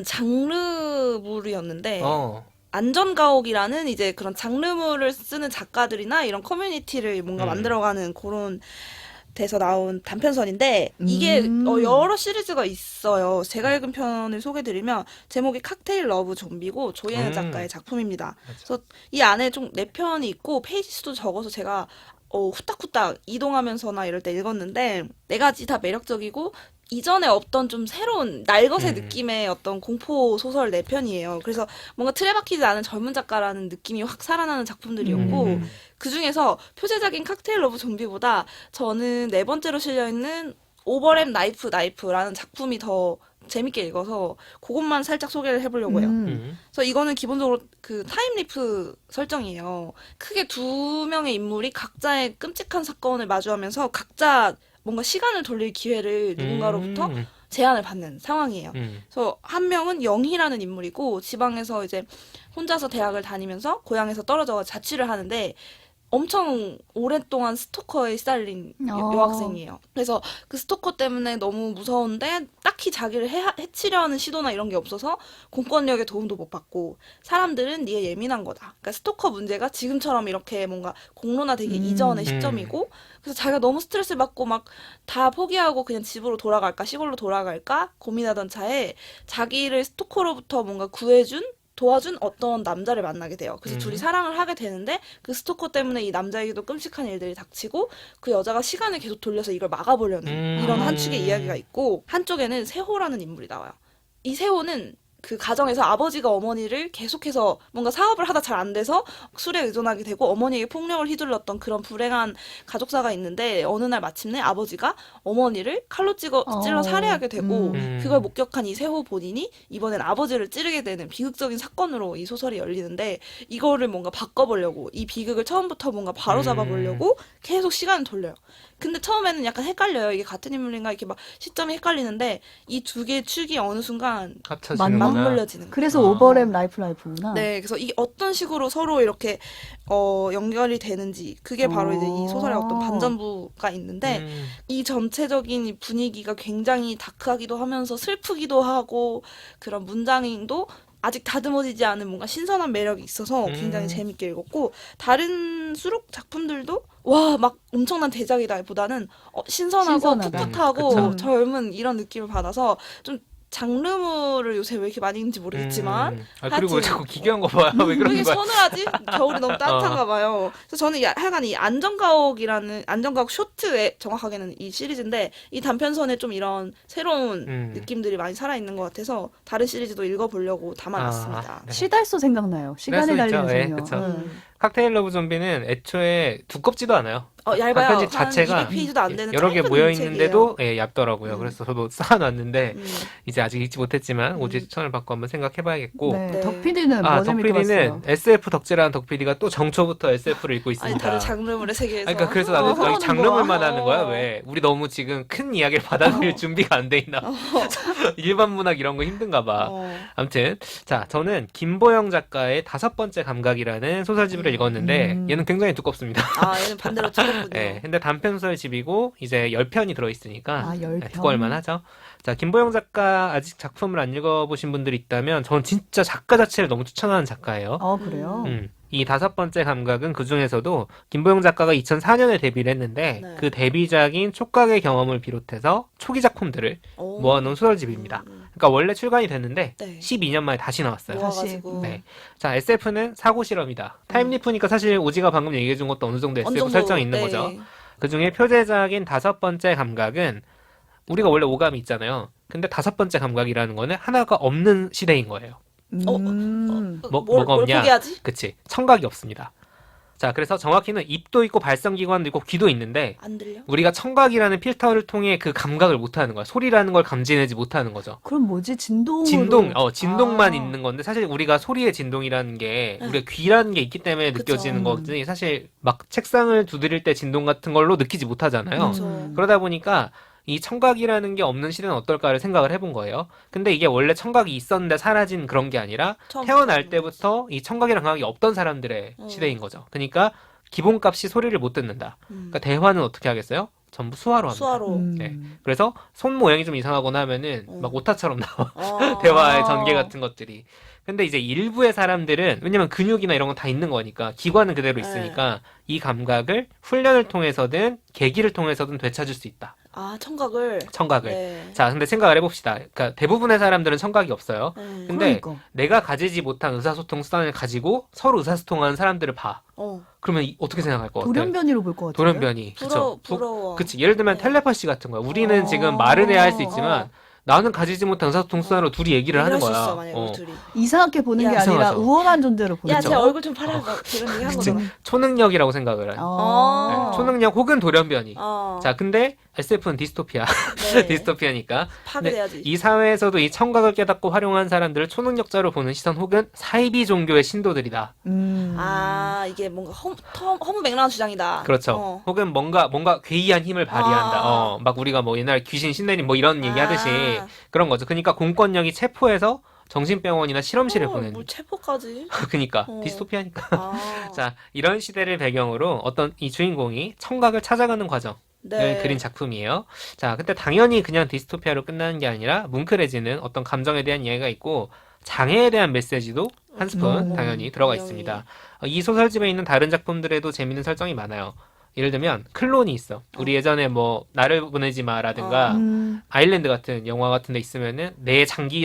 [SPEAKER 2] 장르물이었는데
[SPEAKER 3] 어.
[SPEAKER 2] 안전가옥이라는 이제 그런 장르물을 쓰는 작가들이나 이런 커뮤니티를 뭔가 만들어가는 그런 데서 나온 단편선인데 이게 여러 시리즈가 있어요. 제가 읽은 편을 소개드리면 제목이 칵테일 러브 좀비고 조예은 작가의 작품입니다.
[SPEAKER 3] 맞아.
[SPEAKER 2] 그래서 이 안에 좀 4편이 있고 페이지 수도 적어서 제가 후딱후딱 이동하면서나 이럴 때 읽었는데 4가지 다 매력적이고 이전에 없던 좀 새로운 날것의 느낌의 어떤 공포 소설 4편이에요. 그래서 뭔가 틀에 박히지 않은 젊은 작가라는 느낌이 확 살아나는 작품들이었고 그 중에서 표제작인 칵테일 러브 좀비보다 저는 4번째로 실려있는 오버랩 나이프라는 작품이 더 재밌게 읽어서 그것만 살짝 소개를 해보려고 해요. 그래서 이거는 기본적으로 그 타임리프 설정이에요. 크게 2명의 인물이 각자의 끔찍한 사건을 마주하면서 각자 뭔가 시간을 돌릴 기회를 누군가로부터 제안을 받는 상황이에요. 그래서 한 명은 영희라는 인물이고 지방에서 이제 혼자서 대학을 다니면서 고향에서 떨어져 자취를 하는데 엄청 오랫동안 스토커에 시달린 여학생이에요. 그래서 그 스토커 때문에 너무 무서운데 딱히 자기를 해치려는 시도나 이런 게 없어서 공권력의 도움도 못 받고 사람들은 네가 예민한 거다. 그러니까 스토커 문제가 지금처럼 이렇게 뭔가 공론화되기 이전의 시점이고 그래서 자기가 너무 스트레스를 받고 막 다 포기하고 그냥 집으로 돌아갈까 시골로 돌아갈까 고민하던 차에 자기를 스토커로부터 뭔가 도와준 어떤 남자를 만나게 돼요. 그래서 둘이 사랑을 하게 되는데 그 스토커 때문에 이 남자에게도 끔찍한 일들이 닥치고 그 여자가 시간을 계속 돌려서 이걸 막아보려는 이런 한 축의 이야기가 있고 한쪽에는 세호라는 인물이 나와요. 이 세호는 그 가정에서 아버지가 어머니를 계속해서 뭔가 사업을 하다 잘 안 돼서 술에 의존하게 되고 어머니에게 폭력을 휘둘렀던 그런 불행한 가족사가 있는데 어느 날 마침내 아버지가 어머니를 칼로 찔러 살해하게 되고 그걸 목격한 이 세호 본인이 이번엔 아버지를 찌르게 되는 비극적인 사건으로 이 소설이 열리는데 이거를 뭔가 바꿔보려고 이 비극을 처음부터 뭔가 바로잡아보려고 계속 시간을 돌려요. 근데 처음에는 약간 헷갈려요. 이게 같은 인물인가 이렇게 막 시점이 헷갈리는데 이 2개의 축이 어느 순간
[SPEAKER 3] 합쳐지는구나.
[SPEAKER 2] 맞물려지는 거예요.
[SPEAKER 1] 그래서 오버랩 라이프구나.
[SPEAKER 2] 네, 그래서 이게 어떤 식으로 서로 이렇게 연결이 되는지 그게 바로 이제 이 소설의 어떤 반전부가 있는데 이 전체적인 분위기가 굉장히 다크하기도 하면서 슬프기도 하고 그런 문장도 아직 다듬어지지 않은 뭔가 신선한 매력이 있어서 굉장히 재밌게 읽었고 다른 수록 작품들도 와 막 엄청난 대작이다 보다는 신선하고
[SPEAKER 1] 신선하다.
[SPEAKER 2] 풋풋하고
[SPEAKER 3] 그쵸.
[SPEAKER 2] 젊은 이런 느낌을 받아서 좀 장르물을 요새 왜 이렇게 많이 읽는지 모르겠지만
[SPEAKER 3] 그리고 왜
[SPEAKER 2] 하여튼
[SPEAKER 3] 자꾸 기괴한 거 봐요? 왜
[SPEAKER 2] 왜
[SPEAKER 3] 그러는
[SPEAKER 2] 이렇게
[SPEAKER 3] 거야?
[SPEAKER 2] 서늘하지? 겨울이 너무 따뜻한가 봐요. 그래서 저는 하여간 이 안전가옥 쇼트에 정확하게는 이 시리즈인데 이 단편선에 좀 이런 새로운 느낌들이 많이 살아있는 것 같아서 다른 시리즈도 읽어보려고 담아놨습니다.
[SPEAKER 3] 네.
[SPEAKER 1] 시달소 생각나요. 시간에
[SPEAKER 3] 시달소 있죠.
[SPEAKER 1] 달리는
[SPEAKER 3] 네,
[SPEAKER 1] 소녀.
[SPEAKER 3] 그쵸. 칵테일 러브 좀비는 애초에 두껍지도 않아요.
[SPEAKER 2] 얇아요.
[SPEAKER 3] 단편집 자체가
[SPEAKER 2] 200페이지도 안 되는
[SPEAKER 3] 여러 개
[SPEAKER 2] 짧은
[SPEAKER 3] 모여 있는데도 얇더라고요.
[SPEAKER 2] 음.
[SPEAKER 3] 그래서 저도 쌓아놨는데
[SPEAKER 2] 책이에요.
[SPEAKER 3] 이제 아직 읽지 못했지만 오지 추천을 받고 한번 생각해봐야겠고.
[SPEAKER 1] 네,
[SPEAKER 2] 네.
[SPEAKER 1] 덕PD는 뭐 재밌게
[SPEAKER 3] 덕PD는
[SPEAKER 1] 봤어요?
[SPEAKER 3] SF 덕질하는 덕PD가 또 정초부터 SF를 읽고
[SPEAKER 2] 아니
[SPEAKER 3] 있습니다.
[SPEAKER 2] 다른 장르물의 세계에서.
[SPEAKER 3] 그러니까 그래서 나는
[SPEAKER 1] 그러는
[SPEAKER 3] 여기 장르물만
[SPEAKER 2] 거야.
[SPEAKER 3] 하는 거야. 왜? 우리 너무 지금 큰 이야기를 받아들일 준비가 안 돼 있나? 일반 문학 이런 거 힘든가 봐. 아무튼 자, 저는 김보영 작가의 5번째 감각이라는 소설집을 읽었는데 얘는 굉장히 두껍습니다.
[SPEAKER 2] 얘는 반대로 두껍군요.
[SPEAKER 3] 네, 근데 단편 소설집이고 이제 10편이 들어있으니까
[SPEAKER 1] 10편.
[SPEAKER 3] 두꺼울만 하죠. 자, 김보영 작가 아직 작품을 안 읽어보신 분들이 있다면 저는 진짜 작가 자체를 너무 추천하는 작가예요.
[SPEAKER 1] 그래요?
[SPEAKER 3] 이 5번째 감각은 그 중에서도 김보영 작가가 2004년에 데뷔를 했는데
[SPEAKER 2] 네.
[SPEAKER 3] 그 데뷔작인 촉각의 경험을 비롯해서 초기 작품들을 모아놓은 소설집입니다. 그러니까 원래 출간이 됐는데
[SPEAKER 2] 네.
[SPEAKER 3] 12년 만에 다시 나왔어요.
[SPEAKER 2] 모아가지고.
[SPEAKER 3] 네. 자, SF는 사고 실험이다. 타임리프니까 사실 오지가 방금 얘기해준 것도 어느 정도 SF 설정이 있는 거죠. 그 중에 표제작인 5번째 감각은 우리가 원래 오감이 있잖아요. 근데 5번째 감각이라는 거는 하나가 없는 시대인 거예요. 뭐가 없냐?
[SPEAKER 2] 포기하지?
[SPEAKER 3] 그치. 청각이 없습니다. 자, 그래서 정확히는 입도 있고 발성기관도 있고 귀도 있는데
[SPEAKER 2] 안 들려?
[SPEAKER 3] 우리가 청각이라는 필터를 통해 그 감각을 못하는 거야. 소리라는 걸 감지내지 못하는 거죠.
[SPEAKER 1] 그럼 뭐지? 진동으로?
[SPEAKER 3] 진동만 있는 건데 사실 우리가 소리의 진동이라는 게 우리가 귀라는 게 있기 때문에
[SPEAKER 2] 그쵸.
[SPEAKER 3] 느껴지는 거지 사실 막 책상을 두드릴 때 진동 같은 걸로 느끼지 못하잖아요. 그러다 보니까 이 청각이라는 게 없는 시대는 어떨까를 생각을 해본 거예요. 근데 이게 원래 청각이 있었는데 사라진 그런 게 아니라 태어날 때부터 이 청각이랑 감각이 없던 사람들의 시대인 거죠. 그러니까 기본값이 소리를 못 듣는다. 그러니까 대화는 어떻게 하겠어요? 전부 수화로 합니다.
[SPEAKER 2] 수화로.
[SPEAKER 3] 네. 그래서 손 모양이 좀 이상하거나 하면은 막 오타처럼 나와. 대화의 전개 같은 것들이. 근데 이제 일부의 사람들은 왜냐면 근육이나 이런 건 다 있는 거니까 기관은 그대로 있으니까 이 감각을 훈련을 통해서든 계기를 통해서든 되찾을 수 있다.
[SPEAKER 2] 청각을. 네.
[SPEAKER 3] 자, 근데 생각을 해봅시다. 그러니까 대부분의 사람들은 청각이 없어요. 근데
[SPEAKER 1] 그러니까.
[SPEAKER 3] 내가 가지지 못한 의사소통 수단을 가지고 서로 의사소통하는 사람들을 봐. 그러면 어떻게 생각할 것 같아요?
[SPEAKER 1] 돌연변이로 볼 것 같아요.
[SPEAKER 3] 돌연변이. 그쵸.
[SPEAKER 2] 부러워.
[SPEAKER 3] 그치. 예를 들면 텔레파시 같은 거야. 우리는 지금 말은 해야 할 수 있지만 나는 가지지 못한 의사소통 수단으로 둘이 얘기를 하는
[SPEAKER 2] 수
[SPEAKER 3] 거야.
[SPEAKER 2] 있어, 만약에 우리 둘이.
[SPEAKER 1] 이상하게 보는 게 아니라
[SPEAKER 3] 이상하죠.
[SPEAKER 1] 우월한 존재로 보는
[SPEAKER 2] 야,
[SPEAKER 1] 거죠.
[SPEAKER 2] 제 얼굴 좀 팔아. 그런 얘기 한 거잖아.
[SPEAKER 3] 초능력이라고 생각을 해. 네, 초능력 혹은 돌연변이. 자, 근데 SF는 디스토피아.
[SPEAKER 2] 네.
[SPEAKER 3] 디스토피아니까.
[SPEAKER 2] 파괴돼야지.
[SPEAKER 3] 이 사회에서도 이 청각을 깨닫고 활용한 사람들을 초능력자로 보는 시선 혹은 사이비 종교의 신도들이다.
[SPEAKER 2] 이게 뭔가 허무맹랑한 주장이다.
[SPEAKER 3] 그렇죠. 혹은 뭔가 괴이한 힘을 발휘한다. 막 우리가 뭐 옛날 귀신 신내림 뭐 이런 얘기 하듯이 그런 거죠. 그러니까 공권력이 체포해서 정신병원이나 실험실에 보내는.
[SPEAKER 2] 뭘 체포까지?
[SPEAKER 3] 그니까 디스토피아니까. 자, 이런 시대를 배경으로 어떤 이 주인공이 청각을 찾아가는 과정을 그린 작품이에요. 자, 근데 당연히 그냥 디스토피아로 끝나는 게 아니라 뭉클해지는 어떤 감정에 대한 이해가 있고 장애에 대한 메시지도 한 스푼 당연히 들어가 있습니다. 이 소설집에 있는 다른 작품들에도 재밌는 설정이 많아요. 예를 들면 클론이 있어. 우리 예전에 뭐 나를 보내지 마라든가 아일랜드 같은 영화 같은 데 있으면은 내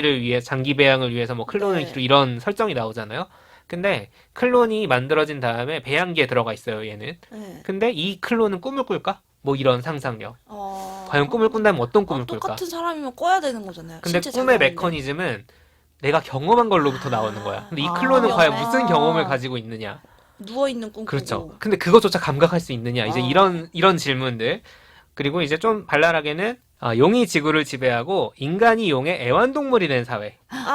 [SPEAKER 3] 장기 배양을 위해서 뭐 클론을 기르 이런 설정이 나오잖아요. 근데 클론이 만들어진 다음에 배양기에 들어가 있어요, 얘는. 근데 이 클론은 꿈을 꿀까? 뭐 이런 상상력. 과연 꿈을 꾼다면 어떤 꿈을 꿀까?
[SPEAKER 2] 똑같은 사람이면 꿔야 되는 거잖아요.
[SPEAKER 3] 근데
[SPEAKER 2] 신체
[SPEAKER 3] 꿈의
[SPEAKER 2] 작용인데.
[SPEAKER 3] 메커니즘은 내가 경험한 걸로부터 나오는 거야. 근데 이 클론은 과연 무슨 경험을 가지고 있느냐?
[SPEAKER 2] 누워있는 꿈
[SPEAKER 3] 그렇죠.
[SPEAKER 2] 꾸고.
[SPEAKER 3] 근데 그것조차 감각할 수 있느냐? 이제 이런 질문들. 그리고 이제 좀 발랄하게는 용이 지구를 지배하고 인간이 용의 애완동물이 된 사회.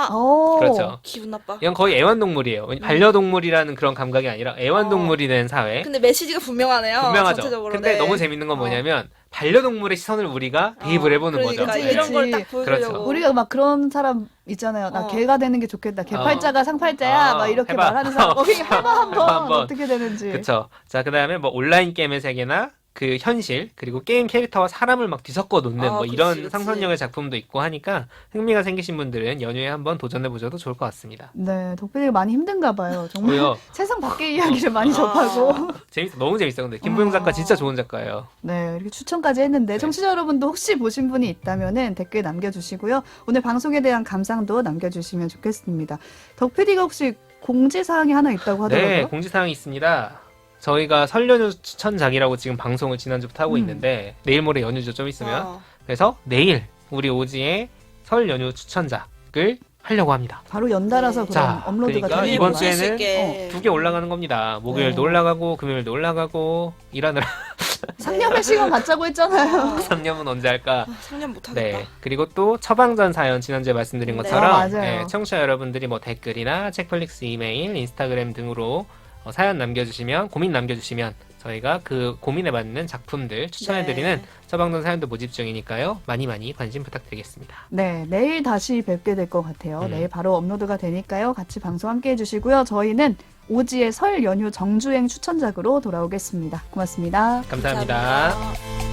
[SPEAKER 3] 그렇죠.
[SPEAKER 2] 기분 나빠.
[SPEAKER 3] 이건 거의 애완동물이에요. 반려동물이라는 그런 감각이 아니라 애완동물이 된 사회.
[SPEAKER 2] 근데 메시지가 분명하네요.
[SPEAKER 3] 분명하죠.
[SPEAKER 2] 전체적으로.
[SPEAKER 3] 근데 너무 재밌는 건 뭐냐면 반려동물의 시선을 우리가 대입을 해보는
[SPEAKER 2] 그러니까
[SPEAKER 3] 거죠.
[SPEAKER 2] 이런 걸 딱
[SPEAKER 3] 그렇죠.
[SPEAKER 2] 보여주려고.
[SPEAKER 1] 우리가 막 그런 사람 있잖아요. 나 개가 되는 게 좋겠다. 개팔자가 상팔자야. 막 이렇게
[SPEAKER 3] 해봐.
[SPEAKER 1] 말하는 사람. 거기 해봐 한번.
[SPEAKER 3] 한번.
[SPEAKER 1] 어떻게 되는지.
[SPEAKER 3] 그렇죠. 자, 그다음에 뭐 온라인 게임의 세계나 그 현실 그리고 게임 캐릭터와 사람을 막 뒤섞어 놓는 뭐 이런
[SPEAKER 2] 그치.
[SPEAKER 3] 상상력의 작품도 있고 하니까 흥미가 생기신 분들은 연휴에 한번 도전해 보셔도 좋을 것 같습니다.
[SPEAKER 1] 네, 덕분에 많이 힘든가 봐요. 정말
[SPEAKER 3] 왜요?
[SPEAKER 1] 세상 밖의 이야기를 많이 접하고.
[SPEAKER 3] 너무 재밌어요. 근데 김보영 작가 진짜 좋은 작가예요.
[SPEAKER 1] 네, 이렇게 추천까지 했는데 청취자 여러분도 혹시 보신 분이 있다면은 댓글 남겨주시고요. 오늘 방송에 대한 감상도 남겨주시면 좋겠습니다. 덕PD가 혹시 공지사항이 하나 있다고 하더라고요.
[SPEAKER 3] 네, 공지사항이 있습니다. 저희가 설 연휴 추천작이라고 지금 방송을 지난주부터 하고 있는데 내일 모레 연휴죠, 좀 있으면. 그래서 내일 우리 오지의 설 연휴 추천작을 하려고 합니다.
[SPEAKER 1] 바로 연달아서 그럼
[SPEAKER 3] 자,
[SPEAKER 1] 업로드가
[SPEAKER 3] 그러니까
[SPEAKER 1] 되는
[SPEAKER 3] 이번
[SPEAKER 1] 건가요?
[SPEAKER 3] 주에는 두 개 올라가는 겁니다. 목요일도 올라가고 금요일도 올라가고 일하느라
[SPEAKER 1] 상념의 시간 갖자고 했잖아요.
[SPEAKER 3] 상념은 언제 할까?
[SPEAKER 2] 상념 못하겠다.
[SPEAKER 3] 네. 그리고 또 처방전 사연 지난주에 말씀드린
[SPEAKER 2] 네.
[SPEAKER 3] 것처럼
[SPEAKER 1] 맞아요.
[SPEAKER 3] 네, 청취자 여러분들이 뭐 댓글이나 책플릭스 이메일, 인스타그램 등으로 사연 남겨주시면 고민 남겨주시면 저희가 그 고민에 맞는 작품들 추천해드리는 처방전 사연도 모집 중이니까요. 많이 많이 관심 부탁드리겠습니다.
[SPEAKER 1] 네, 내일 다시 뵙게 될 것 같아요. 내일 바로 업로드가 되니까요. 같이 방송 함께 해주시고요. 저희는 오지의 설 연휴 정주행 추천작으로 돌아오겠습니다. 고맙습니다.
[SPEAKER 3] 감사합니다.
[SPEAKER 2] 감사합니다.